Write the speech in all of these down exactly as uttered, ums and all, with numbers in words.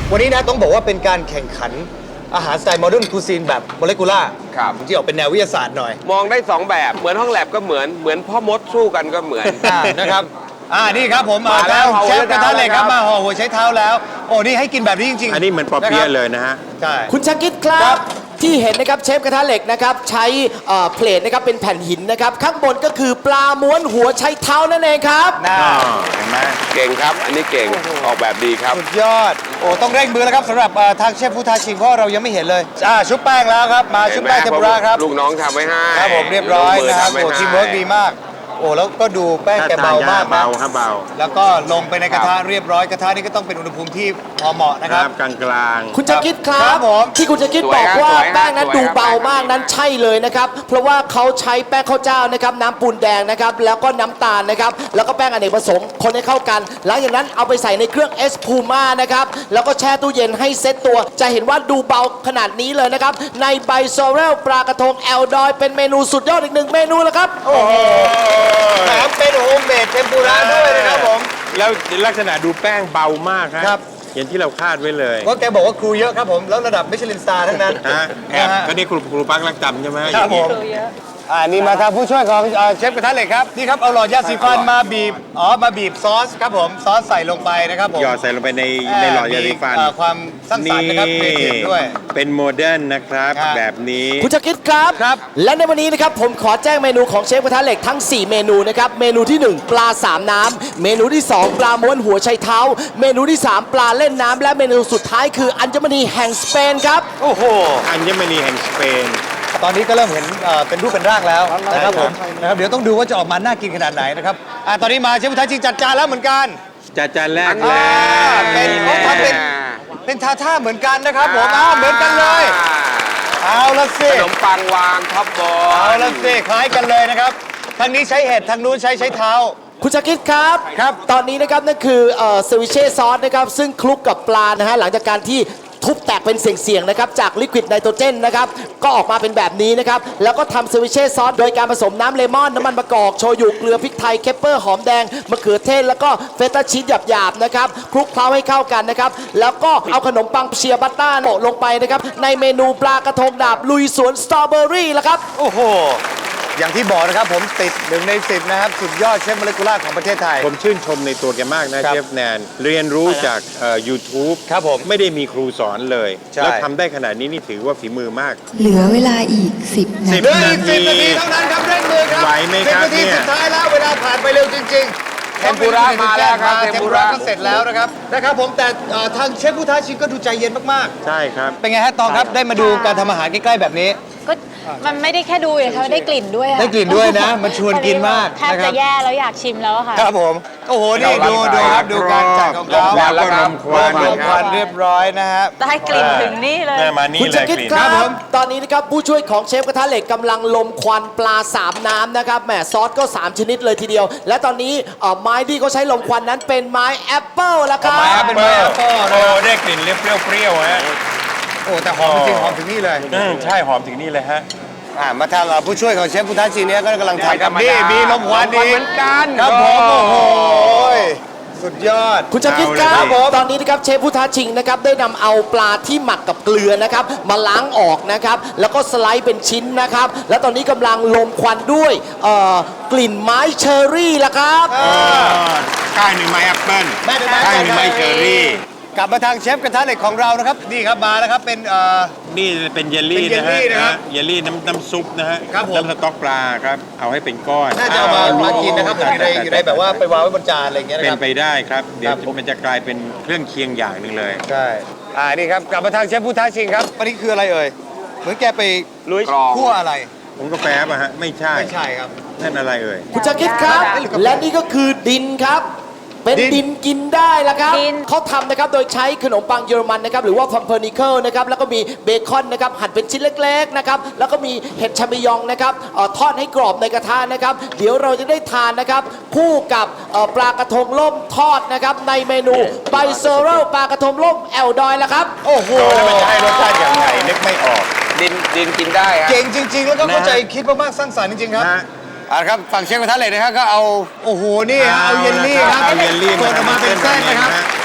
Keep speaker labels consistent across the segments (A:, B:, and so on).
A: วันนี้นะต้องบอกว่าเป็นการแข่งขันอาหารสไตล์โมเดิร์นคูซีนแบบโมเลกุล่าครับที่ออกเป็นแนววิทยาศาสตร์หน่อย
B: มองได้สองแบบเหมือนห้องแลบก็เหมือนเหมือนพ่อมดสู้กันก็เหมือน
A: นะครับอ่านี่ครับผมมาแล้วเชฟกระทะเหล็กครับมาห่อหัวใช้เท้าแล้วโอ้นี่ให้กินแบบนี้จริงๆ
C: อันนี้เหมือนปอเปี๊ยะเลยนะฮะ
A: ใช่
D: คุณชากิดครับที่เห็นนะครับเชฟกระทะเหล็กนะครับใช้เพลทนะครับเป็นแผ่นหินนะครับข้างบนก็คือปลาม้วนหัวใช้เท้านั่นเองครับ
C: เห็นไหม
B: เก่งครับอันนี้เก่งออกแบบดีครับ
A: สุดยอดโอ้ต้องเร่งมือแล้วครับสำหรับทางเชฟผู้ท้าชิงเพราะเรายังไม่เห็นเลยอ่าชุบแป้งแล้วครับมาชุบแป้งเทมปุระครับ
B: ลูกน้องทำไว้ให้
A: ครับผมเรียบร้อยนะครับโอ้ทีมเวิร์กดีมากโอ้แล้วก็ดูแป้งแกเบามาก
C: เบาครับเบา
A: แล้วก็ลงไปในกระทะเรียบร้อยกระทะนี่ก็ต้องเป็นอุณหภูมิที่พอเหมาะนะครับ
C: กลางกลาง
D: คุณชากิดครับที่คุณชากิดบอกว่าแป้งนั้นดูเบามากนั้นใช่เลยนะครับเพราะว่าเขาใช้แป้งข้าวเจ้านะครับน้ำปูนแดงนะครับแล้วก็น้ำตาลนะครับแล้วก็แป้งอเนกประสงค์คนให้เข้ากันหลังจากนั้นเอาไปใส่ในเครื่องเอสพูม่านะครับแล้วก็แช่ตู้เย็นให้เซ็ตตัวจะเห็นว่าดูเบาขนาดนี้เลยนะครับในใบโซเรลปลากระทงแอลดอยเป็นเมนูสุดยอดอีกหนึ่งเมนูแล้วครับ
A: โอ้โหแถมเป็นโฮมเมดเทมปุระด้วยนะครับผม
C: แล้วลักษณะดูแป้งเบามากครับอย่างที่เราคาดไว้เลย
A: เพราะแกบอกว่าครูเยอะครับผมแล้วระดับมิชลินสตาร์ทั้งนั้น
C: แอบก็นี่ครูครูปักรักจำใช่ไหม
A: ครับผมอ่านี่มาทางผู้ช่วยของเชฟกระทะเหล็กครับนี่ครับเอาหลอดยาสีฟันมาบีบอ๋อมาบีบซอสครับผมซอสใส่ลงไปนะครับผม
C: หยอดใส่ลงไปในในหลอดยาสีฟัน
A: ความสร้างสรรค์นะครับเทียมด้วย
C: เป็นโมเดิร์นนะครับแบบนี้
D: คุณจะคิดครับ
A: ครับ
D: และในวันนี้นะครับผมขอแจ้งเมนูของเชฟกระทะเหล็กทั้งสี่เมนูนะครับเมนูที่หนึ่งปลาสามน้ำเมนูที่สองปลาม้วนหัวไชเท้าเมนูที่สามปลาเล่นน้ำและเมนูสุดท้ายคืออัญมณีแห่งสเปนครับ
A: โอ้โห
C: อัญมณีแห่งสเปน
A: ตอนนี้ก็เริ่มเห็นเป็นรูปเป็นร่างแล้วนะครับผมนะครับเดี๋ยวต้องดูว่าจะออกมาน่ากินขนาดไหนนะครับอ่าตอนนี้มาเชฟผู้ท้าชิงจัดจานแล้วเหมือนกัน
C: จัดจานแรกแล้ว
A: เป็นเขาทำเป็นเป็นท่าท่าเหมือนกันนะครับผมอ้าวเหมือนกันเลยเอาละสิ
B: ขนมปังวางท็อปบอล
A: เอาละสิคล้ายกันเลยนะครับทางนี้ใช้เห็ดทางนู้นใช้ใช้เท้า
D: คุณชาคิดครับ
A: ครับ
D: ตอนนี้นะครับนั่นคือเซวิเช่ซอสนะครับซึ่งคลุกกับปลานะฮะหลังจากการที่ทุบแตกเป็นเสี่ยงๆนะครับจากลิควิดไนโตรเจนนะครับก็ออกมาเป็นแบบนี้นะครับแล้วก็ทำเซวิเช่ซอสโดยการผสมน้ำเลมอนน้ำมันมะกอกโชยุเกลือพริกไทยเคปเปอร์หอมแดงมะเขือเทศแล้วก็เฟตต้าชีสหยาบๆนะครับคลุกเคล้าให้เข้ากันนะครับแล้วก็เอาขนมปังเชียร์บัตต้าโปะลงไปนะครับในเมนูปลากระทงดาบลุยสวนสตรอเบอรี่แล้วครับ
A: โอ้โหอย่างที่บอกนะครับผมติดหนึ่งในสิบนะครับสุดยอดเชฟโมเลกุล่าของประเทศไทย
C: ผมชื่นชมในตัวแกมากนะเชฟแนนเรียนรู้จากยูทูบ
A: ครับผม
C: ไม่ได้มีครูสอนเลยแล้วทำได้ขนาดนี้นี่ถือว่าฝีมือมาก
E: เหลือเวลาอีกสิบนาที
A: เหลืออีกสิบนาทีเท่านั้นครับเร่งมือครับ
C: ไหวไหมครับ
A: สิบนาทีสุดท้ายแล้วเวลาผ่านไปเร็วจริงๆ
B: เทมปุระมาแล้วครับ
A: เทมปุระก็เสร็จแล้วนะครับนะครับผมแต่ทางเชฟผู้ท้าชิงก็ดูใจเย็นมาก
C: ๆใช่ครับ
A: เป็นไงฮะตองครับได้มาดูการทำอาหารใกล้ๆแบบนี้
F: ก็มันไม่ได้แค่ดูเลยค่ะได้กลิ่นด้วย
A: ได้กลิ่นด้วยนะมันชวนกินมาก
F: แทบจะแย่แล้วอยากชิมแล้วค่ะ
A: ครับผมโอ้โหนี่ดูดูครับดูการจัดของเขา
C: แล้วก็ลมควัน
A: ลมควันเรียบร้อยนะฮะ
F: ได้กลิ่นถึงนี่เลย
D: คุณจะคิดครับตอนนี้นะครับผู้ช่วยของเชฟกระทะเหล็กกำลังลมควันปลาสามน้ำนะครับแหมซอสก็สามชนิดเลยทีเดียวและตอนนี้ไม้ที่เขาใช้ลมควันนั้นเป็นไม้แอปเปิลแล้วครับ
A: ไม้แอปเปิล
C: โอ้ได้กลิ่นเปรี้ยวๆฮะ
A: โอ้แต่หอมจริงหอมถึงนี่เลย
C: ใช่หอมถึงนี่เลยฮะ
A: มาทางผู้ช่วยของเชฟผู้ท้าชิงนี้ก็กำลังทำกับนี่มีลมควันดี
B: เหมือนกัน
A: ครับผมโอ้โหสุดยอด
D: คุณจะคิดครับตอนนี้นะครับเชฟผู้ท้าชิงนะครับได้นำเอาปลาที่หมักกับเกลือนะครับมาล้างออกนะครับแล้วก็สไลด์เป็นชิ้นนะครับและตอนนี้กำลังลมควันด้วยกลิ่นไม้เชอร์รี่ละครับ
C: ก้านหนึ่งไม้แอปเปิ้ลก้านหนึ่งไม้เชอร์รี่
A: กลับมาทางเชฟกระทะเหล็กของเรานะครับนี่ครับมาแล้วครับเป็น
C: นี่เป็นเยลลี่นะฮะเยลลี่น้ำน้ำซุปนะฮะน้ำสต๊อกปลาครับเอาให้เป็นก้อน
A: น่าจะเอามามากินนะครับอยู่ในอยู่ในแบบว่าไปวางไว้บนจานอะไรอย่างเงี้ยนะครับ
C: เป็นไปได้ครับเดี๋ยวมันจะกลายเป็นเครื่องเคียงอย่างหนึ่งเลย
A: ใช่อ่านี่ครับกลับมาทางเชฟผู้ท้าชิงครับอันนี้คืออะไรเอ่ยเหมือนแกไปลุยคั่วอะไร
C: ผมกาแฟป่ะฮะไม่ใช่
A: ไม่ใช่ครับ
C: นั่นอะไรเอ่ย
D: คุณจะคิดครับและนี่ก็คือดินครับเป็นดินกินได้แล้วครับเขาทำนะครับโดยใช้ขนมปังเยอรมันนะครับหรือว่าพัมเพอร์นิเคิลนะครับแล้วก็มีเบคอนนะครับหั่นเป็นชิ้นเล็กๆนะครับแล้วก็มีเห็ดชามิยองนะครับทอดให้กรอบในกระทะนะครับเดี๋ยวเราจะได้ทานนะครับคู่กับปลากระทงล่มทอดนะครับในเมนูไบเซอรัลปลากระทงล่มแอลดอยแล้วครับ
A: โอ้โห
C: แล้วมันจะให้รสชาติอย่างไรนึกไม่ออก
B: ดินดินกินได้
A: เก่งจริงๆแล้วก็เข้าใจคิดมากๆสร้างสรรค์จริงๆครับอ่าครับฝั่งเชฟกระทะเหล็กนะครับก็เอาโอ้โหนี่ฮะเอาเยลลี่ครับ
C: เอาเยลลี่
A: มาออกมาเป็นเส้นนะครับ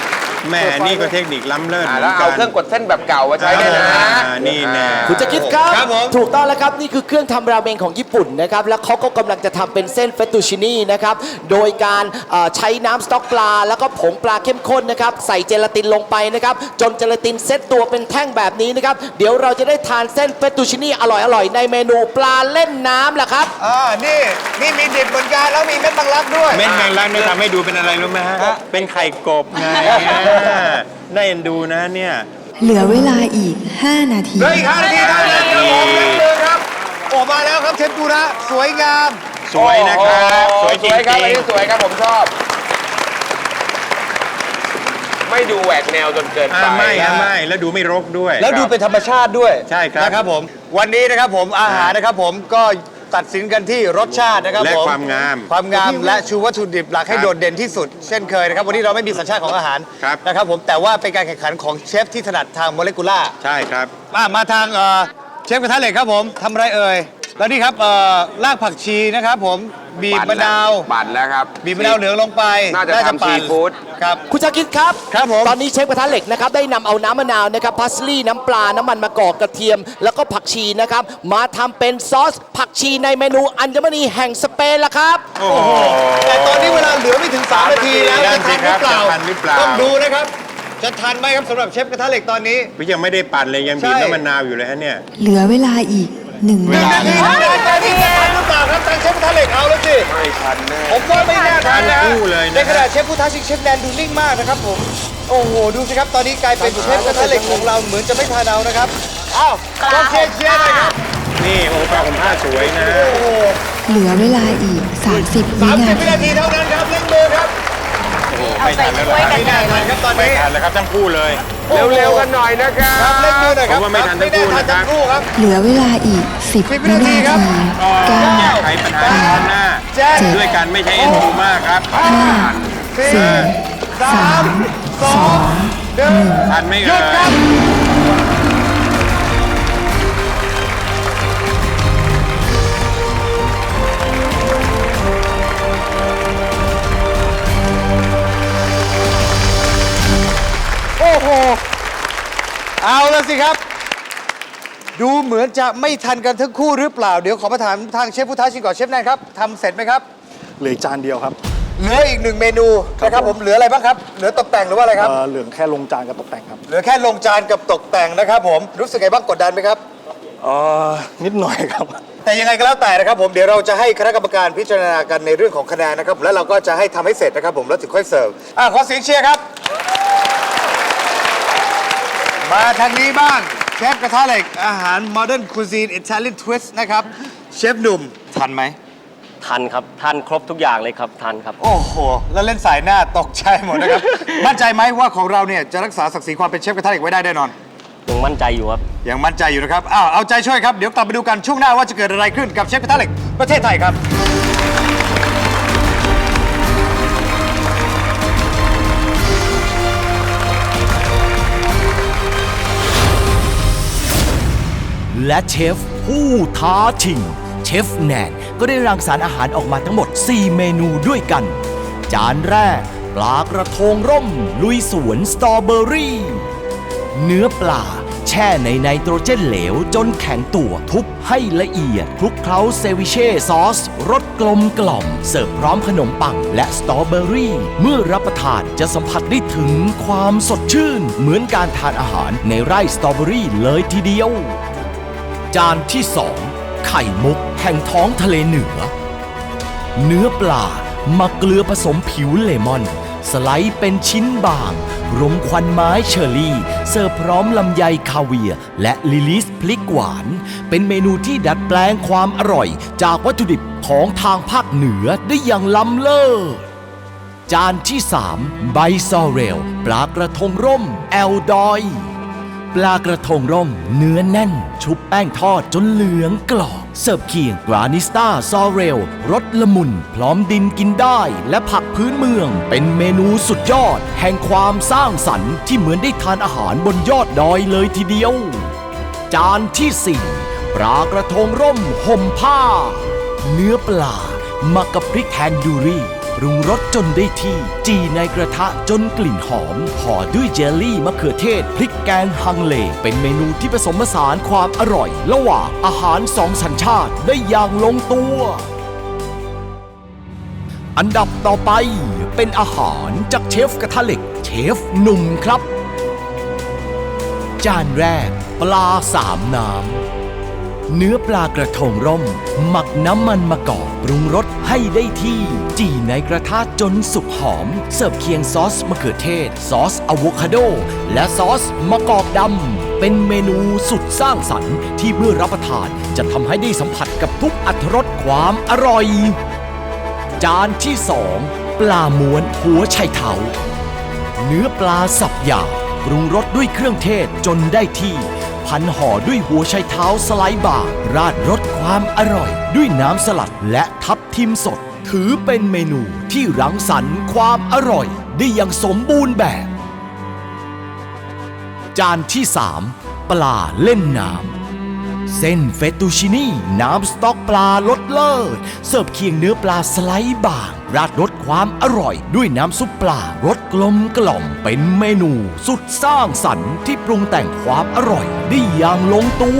C: แม่นี่ก็เทคนิคล้ำเลิศ
B: อ่า
C: เหมื
B: แล้ว
C: อนกั
B: เอา
C: น
B: เครื่องกดเส้นแบบเก่ามาใช้ได้นะ
C: อ่านี่แน่
D: คุณจะคิดครับ
A: ครับผม
D: ถูกต้องแล้วครับ นี่คือเครื่องทำราเมงของญี่ปุ่นนะครับ แล้วเขาก็กำลังจะทำเป็นเส้นเฟตตูชินี่นะครับ โดยการเอ่อใช้น้ำสต๊อกปลา แล้วก็ผงปลาเข้มข้นนะครับ ใส่เจลาตินลงไปนะครับ จนเจลาตินเซตตัวเป็นแท่งแบบนี้นะครับ เดี๋ยวเราจะได้ทานเส้นเฟตตูชินี่อร่อยๆ ในเมนูปลาเล่นน้ำแหละครับ
A: อ่านี่นี่มีดิบเหมือนกันแล้วมีเม็ดมังลักด้วย
C: เม็ดแมงลักนี่ทำให้ดูเป็นอะไรรู้ไหมฮะ เป็นไข่กบไงน่าเอ็นดูนะเนี่ย
E: เหลือเวลาอีก 5 นาที
A: เหลืออีกห้านาทีเท่านั้นครับผมเล่นเลยครับโอ้มาแล้วครับเชฟปูระสวยงาม
C: สวยนะครับ
B: โอ้โห
C: สวยจริ
B: สวยครับอัน
C: ง
B: นี้สวยครับผมชอบ ไม่ดูแหวกแนวจนเกิน
C: ๆ
B: ไป
C: อ่าไม่ฮะไม่แล้วดูไม่รกด้วย
A: แล้วดูเป็นธรรมชาติด้วย
C: ใช่ครับ
A: นะครับผมวันนี้นะครับผมอาหารนะครับผมก็ตัดสินกันที่รสชาตินะครับ
C: และ
A: ผม
C: ความงาม
A: ความงามและชูวัตถุดิบหลักให้
C: ครับ
A: โดดเด่นที่สุด เช่นเคยนะครับวันนี้เราไม่มีสัญชาติของอาหาร
C: ครับ
A: นะครับผมแต่ว่าเป็นการแข่งขันของเชฟที่ถนัดทางโมเลกุล่าร์
C: ใช่ครับ
A: มามาทางเอ่อเชฟกระทะเหล็กครับผมทำอะไรเอ่ยแล้วนี่ครับเอ่อรากผักชีนะครับผมบีบมะนาว
B: ปั่นแล้วครับ
A: บีบมะนาวเหลืองลงไป
B: น่าจะทำ
A: ปั่น
B: ซีฟู้ด
A: ครับ
D: คุณชาคิดครับ
A: ครับผม
D: ตอนนี้เชฟกระทะเหล็กนะครับได้นำเอาน้ำมะนาวนะครับพาสลีย์น้ำปลา น้ำมันมะกอกกระเทียม แล้วก็ผักชีนะครับมาทำเป็นซอสผักชีในเมนูอัญมณีแห่งสเปนละครับ
C: โอ้โห
A: แต่ตอนนี้เวลาเหลือไม่ถึงสามนาทีแล้ว
C: นั่
A: จะ
C: นสิ
A: ทันหรือเปล่า
C: ครับจะทันหรือเปล่า
A: ต้องดูนะครับ จะทันไหมครับสำหรับเชฟกระทะเหล็กตอนนี้
C: พี่ยังไม่ได้ปั่นเลยยังบีบ
A: ใช่
C: น้ำมะนาวอยู่เลยฮะเนี่ย
E: เหลือเวลาอีก 1
A: หนึ่ง
E: นา
A: นา
E: ที
A: ทีหนึ่งนาทีจะทันหรือเปล่าครับทางเชฟกระทะเหล็กเอาแล้วสิ
B: ไม่ทันแน่
A: ผมว่าไม่น่าทันนะ
C: ทันคู่เลยนะ
A: ในขณะเชฟผู้ท้าชิงเชฟแนนดูนิ่งมากนะครับผมโอ้โหดูสิครับตอนนี้กลายเป็นเชฟกระทะเหล็กของเราเหมือนจะไม่ทันเอานะครับอ้าวต้องเชียร์เชียร์หน่อยครับ
C: นี่โอ้ปลาผมผ้าสวยนะ
A: โอ้โห
E: เหลือเวลาอีก 30 วิ
A: สามสิ
E: นา
A: บวิ
E: ที
A: นาทีเท่านั้นครับเล่นมือครับ
C: ไม่ทันแล้วล่ะ
A: ไม่น่าทันครับตอน
C: ไม่
A: นี้
C: ทันแล้วครับทั้งคู่เลย
B: เร็วๆกันหน่อยนะครับ
A: ครับเล่นมือหน่อยครับ
C: ผมว่าไม่ทันทั้งคู่
A: ไม่
C: นะครับ
A: ทันทั้งคู่ครับ
E: เหลือเวลาอีก 10
A: วิ
E: วิ
A: นา
E: นา
A: ที
E: ที
A: ครับ
E: เก้า
C: แก้ไขปัญหาเฉพาะหน้า
A: เจ็ด
C: ด้วยการไม่ใช้เอ็นดูมากครับ
A: สี่
E: สี่
A: สามสองหนึ่ง
C: ทันไหม่
A: หยุ
C: เอ่
A: ดครับ
C: ย
A: โอ้โห เอาแล้วสิครับ ดูเหมือนจะไม่ทันกันทั้งคู่หรือเปล่า เดี๋ยวขอมาถามทางเชฟผู้ท้าชิงก่อนเชฟแนนครับทำเสร็จไหมครับ
G: เหลืออีกจานเดียวครับ
A: เหลืออีกหนึ่งเมนูนะครับผมเหลืออะไรบ้างครับ เหลือตกแต่งหรือว่าอะไรครับ
G: เอ่อเหลืองแค่ลงจานกับตกแต่งครับ
A: เหลือแค่ลงจานกับตกแต่งนะครับผมรู้สึกไงบ้างกดดันไหมครับ
G: เอ่อนิดหน่อยครับ
A: แต่ยังไงก็แล้วแต่นะครับผมเดี๋ยวเราจะให้คณะกรรมการพิจารณากันในเรื่องของคะแนนนะครับแล้วเราก็จะให้ทำให้เสร็จนะครับผมแล้วถึงค่อยเสิร์ฟอ่ะขอเสียงเชียร์ครับ มาทางนี้บ้างเชฟกระทะเหล็กอาหาร Modern Cuisine Italian Twist นะครับเชฟหนุ่มทันไหม
H: ทันครับ ทันครบทุกอย่างเลยครับ ทันครับ
A: โอ้โห แล้วเล่นสายหน้าตกใจหมดนะครับ มั่นใจไหมว่าของเราเนี่ยจะรักษาศักดิ์ศรีความเป็นเชฟกระทะเหล็กไว้ได้แน่นอน
H: ยังมั่นใจอยู่ครับ
A: ยังมั่นใจอยู่นะครับอ้าวเอาใจช่วยครับเดี๋ยวกลับไปดูกันช่วงหน้าว่าจะเกิดอะไรขึ้นกับเชฟกระทะเหล็กประเทศไทยครับ
I: และเชฟผู้ท้าชิงเชฟแนนก็ได้รังสรรค์อาหารออกมาทั้งหมด สี่ เมนูด้วยกัน จานแรกปลากระทงร่ม ลุยสวนสตรอเบอรี่ เนื้อปลาแช่ในไนโตรเจนเหลวจนแข็งตัวทุบให้ละเอียดคลุกเคล้าเซวิเช่ซอสรสกลมกล่อม เสิร์ฟพร้อมขนมปังและสตรอเบอรี่ เมื่อรับประทานจะสัมผัสได้ถึงความสดชื่น เหมือนการทานอาหารในไร่สตรอเบอรี่เลยทีเดียว จานที่สองไข่มุกแห่งท้องทะเลเหนือ เนื้อปลาหมักเกลือผสมผิวเลมอน สไลด์เป็นชิ้นบางรมควันไม้เชอร์รี่ เสิร์ฟพร้อมลำไยคาเวียร์และลิลิสพริกหวาน เป็นเมนูที่ดัดแปลงความอร่อย จากวัตถุดิบของทางภาคเหนือได้อย่างล้ำเลิศ จานที่สามใบซอเรลปลากระทงร่มแอลดอยปลากระทงร่มเนื้อแน่น ชุบแป้งทอดจนเหลืองกรอบเสิร์ฟเคียงกรานิสตาซอเรลรสละมุนพร้อมดินกินได้และผักพื้นเมือง เป็นเมนูสุดยอด แห่งความสร้างสรรค์ที่เหมือนได้ทานอาหารบนยอดดอยเลยทีเดียว จานที่สี่ปลากระทงร่มห่มผ้า เนื้อปลาหมักกับพริกแทนดูรี่ปรุงรสจนได้ที่ จีในกระทะจนกลิ่นหอมห่อด้วยเจลลี่มะเขือเทศพริกแกงฮังเลเป็นเมนูที่ผสมผสานความอร่อยระหว่างอาหารสองสัญชาติได้อย่างลงตัว อันดับต่อไปเป็นอาหารจากเชฟกระทะเหล็กเชฟหนุ่มครับ จานแรกปลาสามน้ำเนื้อปลากระทงร่มหมักน้ำมันมะกอกปรุงรสให้ได้ที่ จี่ในกระทะจนสุกหอม เสิร์ฟเคียงซอสมะเขือเทศ ซอสอะโวคาโด และซอสมะกอกดำเป็นเมนูสุดสร้างสรรค์ที่เมื่อรับประทานจะทำให้ได้สัมผัสกับทุกอรรถรสความอร่อย จานที่สองปลาม้วนหัวไชเท้าเนื้อปลาสับหยาบปรุงรสด้วยเครื่องเทศจนได้ที่ พันห่อด้วยหัวไชเท้าสไลด์บางราดรสความอร่อย ด้วยน้ำสลัดและทับทิมสด ถือเป็นเมนูที่รังสรรค์ความอร่อยได้อย่างสมบูรณ์แบบ จานที่สามปลาเล่นน้ำเส้นเฟตตูชินี่น้ำสต๊อกปลารสเลิศเสิร์ฟเคียงเนื้อปลาสไลด์บางราดรสความอร่อยด้วยน้ำซุปปลารสกลมกล่อมเป็นเมนูสุดสร้างสรรค์ที่ปรุงแต่งความอร่อยได้อย่างลงตัว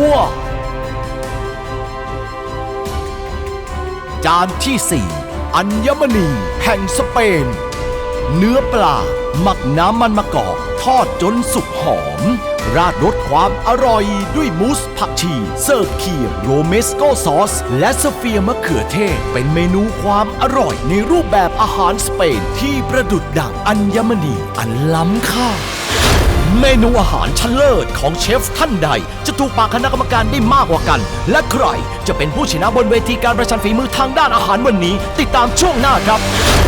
I: จานที่สี่อัญมณีแห่งสเปนเนื้อปลาหมักน้ำมันมะกอกทอดจนสุกหอมราดรสความอร่อยด้วยมูสผักชีเสิร์ฟเคียงโรเมสโกซอสและสเฟียร์มะเขือเทศเป็นเมนูความอร่อยในรูปแบบอาหารสเปนที่ประดุจดั่งอัญมณีอันล้ำค่าเมนูอาหารชั้นเลิศของเชฟท่านใดจะถูกปากคณะกรรมการได้มากกว่ากันและใครจะเป็นผู้ชนะบนเวทีการประชันฝีมือทางด้านอาหารวันนี้ติดตามช่วงหน้าครับ